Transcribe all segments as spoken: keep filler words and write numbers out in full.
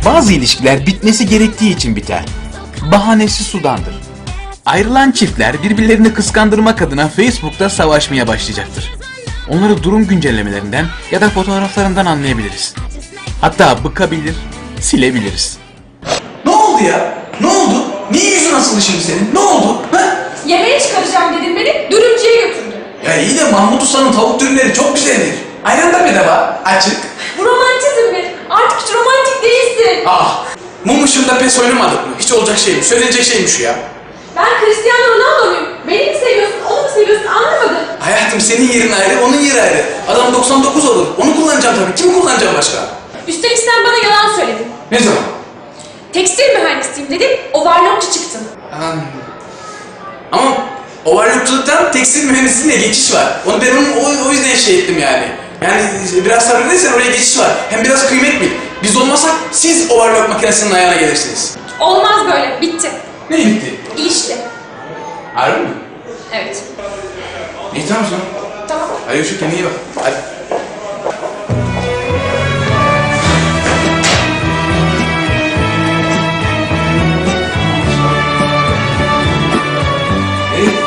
Bazı ilişkiler bitmesi gerektiği için biter. Bahanesi sudandır. Ayrılan çiftler birbirlerini kıskandırmak adına Facebook'ta savaşmaya başlayacaktır. Onları durum güncellemelerinden ya da fotoğraflarından anlayabiliriz. Hatta bıkabilir, silebiliriz. Ne oldu ya? Ne oldu? Niye yüzün asılı şimdi senin? Ne oldu? Ha? Yemeğe çıkaracağım dedim beni, dürümcüye götürdü. Ya iyi de Mahmut Usta'nın tavuk dürümleri çok güzeldir. Ayran da bedava, açık. Bu romantizm mi? Artık hiç romantik değilsin. Ah, mum ışığında pes oynamadık mı? Hiç olacak şey mi? Söylenecek şey mi şu ya? Ben Cristiano Ronaldo'yum. Beni mi seviyorsun, onu mu seviyorsun anlamadım. Hayatım senin yerin ayrı, onun yeri ayrı. Adam doksan dokuz olur. Onu kullanacağım tabii. Kimi kullanacağım başka? Üstelik sen bana yalan söyledin. Ne zaman? Tekstil mühendisiyim dedim, overlockçu çıktın. Aman. Ama overlockçuluktan tekstil mühendisliğine geçiş var. Onu ben onun, o, o yüzden şey ettim yani. Yani biraz sabredersen oraya geçiş var. Hem biraz kıymet bil. Biz olmasak siz overlock makinesinin ayağına gelirsiniz. Olmaz böyle, bitti. Ne bitti? İlişki. Harbi mi? Evet. İyi tamam o zaman. Tamam. Hadi şu kendine iyi bak. Hadi. Hey.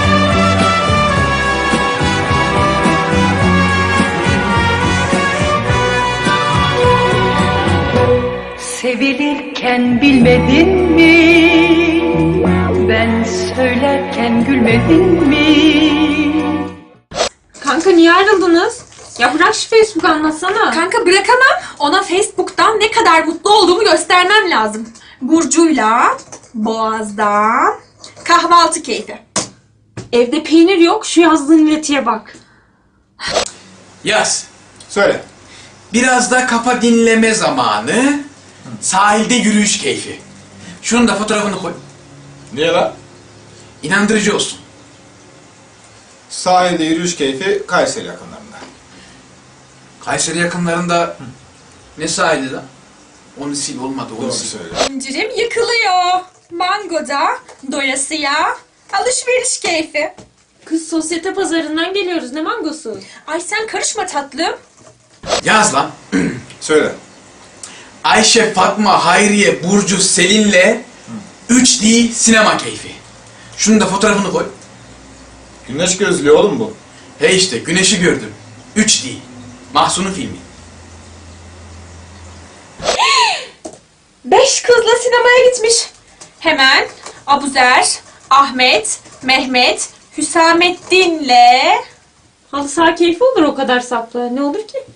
Sevilirken bilmedin mi? Ben söylerken gülmedin mi? Kanka niye ayrıldınız? Ya bırak şu Facebook anlatsana. Kanka bırakamam. Ona Facebook'tan ne kadar mutlu olduğumu göstermem lazım. Burcu'yla, Boğaz'da, kahvaltı keyfi. Evde peynir yok, şu yazdığın iletiye bak. Yaz. Söyle. Biraz da kafa dinleme zamanı. Sahilde yürüyüş keyfi. Şunun da fotoğrafını koy. Niye lan? İnandırıcı olsun. Sahilde yürüyüş keyfi Kayseri yakınlarında. Kayseri yakınlarında ne sahili lan? Onu sil olmadı, onu Doğru sil. söyle. İncirim yıkılıyor. Mango'da, doyasıya, alışveriş keyfi. Kız sosyete pazarından geliyoruz. Ne mangosu? Ay sen karışma tatlım. Yaz lan. Söyle. Ayşe, Fatma, Hayriye, Burcu, Selin'le üç D sinema keyfi. Şunun da fotoğrafını koy. Güneş gözlüğü oğlum bu. He işte güneşi gördüm. üç D. Mahsun'un filmi. Beş kızla sinemaya gitmiş. Hemen Abuzer, Ahmet, Mehmet, Hüsamettin'le... Halı saha keyfi olur o kadar sapla. Ne olur ki?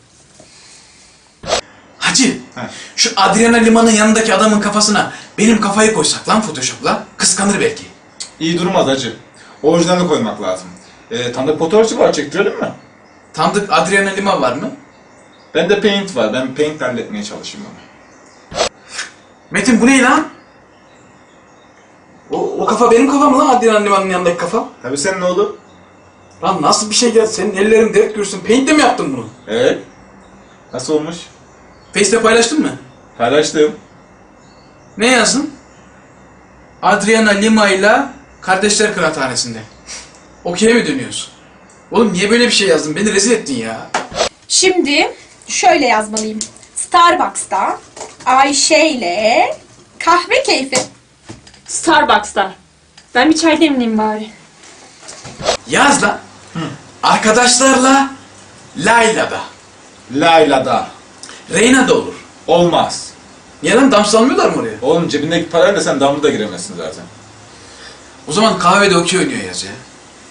Hacı, He. şu Adriana Lima'nın yanındaki adamın kafasına benim kafayı koysak lan Photoshop'la, kıskanır belki. İyi durmaz hacı. Orijinalini koymak lazım. Ee, tanıdık fotoğrafçı var, çektirelim mi? Tanıdık Adriana Lima var mı? Bende Paint var. Ben Paint halletmeye çalışayım onu. Metin bu ne lan? O, o kafa benim kafam lan, Adriana Lima'nın yanındaki kafa. Tabii sen ne olur? Lan nasıl bir şey geldi, senin ellerin dert görsün. Paint'le mi yaptın bunu? Evet. Nasıl olmuş? Face'te paylaştın mı? Paylaştım. Ne yazdın? Adriana Lima ile Kardeşler Kıraathanesi'nde. Okey'e mi dönüyorsun? Oğlum niye böyle bir şey yazdın? Beni rezil ettin ya. Şimdi şöyle yazmalıyım. Starbucks'ta Ayşe ile kahve keyfi. Starbucks'ta. Ben bir çay demleyeyim bari. Yaz lan. Arkadaşlarla Layla'da. Layla'da. Reyna'da olur. Olmaz. Niye lan, dans almıyorlar mı oraya? Oğlum cebindeki parayla sen damla da giremezsin zaten. O zaman kahvede okey oynuyor yaz ya.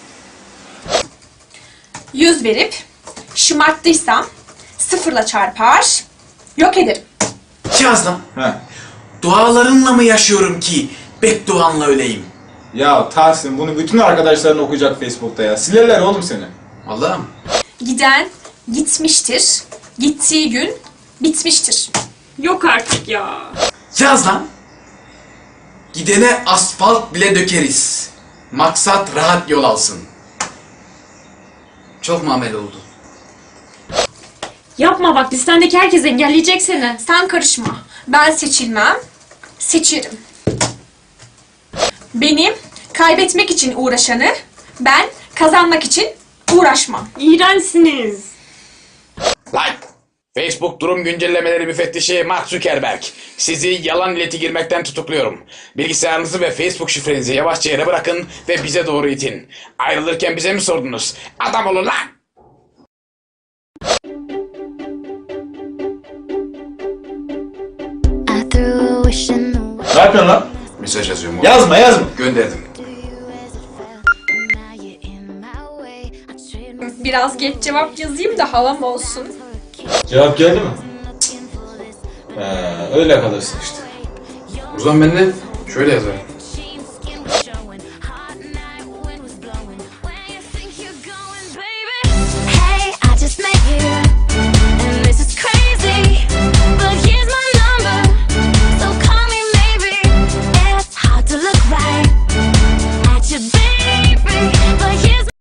Yüz verip şımarttıysam sıfırla çarpar, yok ederim. Yaz lan. He. Dualarınla mı yaşıyorum ki bedduanla öleyim? Ya Tahsin bunu bütün arkadaşların okuyacak Facebook'ta ya. Silerler oğlum seni. Allah'ım. Giden gitmiştir, gittiği gün bitmiştir. Yok artık ya. Yaz lan. Gidene asfalt bile dökeriz. Maksat rahat yol alsın. Çok muamele oldu. Yapma bak, listendeki herkes engelleyecek seni. Sen karışma. Ben seçilmem, seçerim. Benim kaybetmek için uğraşanı, ben kazanmak için uğraşmam. İğrençsiniz. Like. Facebook durum güncellemeleri müfettişi Mark Zuckerberg. Sizi yalan ileti girmekten tutukluyorum. Bilgisayarınızı ve Facebook şifrenizi yavaşça yere bırakın ve bize doğru itin. Ayrılırken bize mi sordunuz? Adam olun lan! I threw a wish in the wind. Ne yapıyorsun lan? Mesaj yazıyorum. Yazma yazma. Gönderdim. Now you're in my way. I trade Biraz geç cevap yazayım da havam olsun. Cevap geldi mi? He, öyle kalırsın işte. O zaman ben de şöyle yazarım.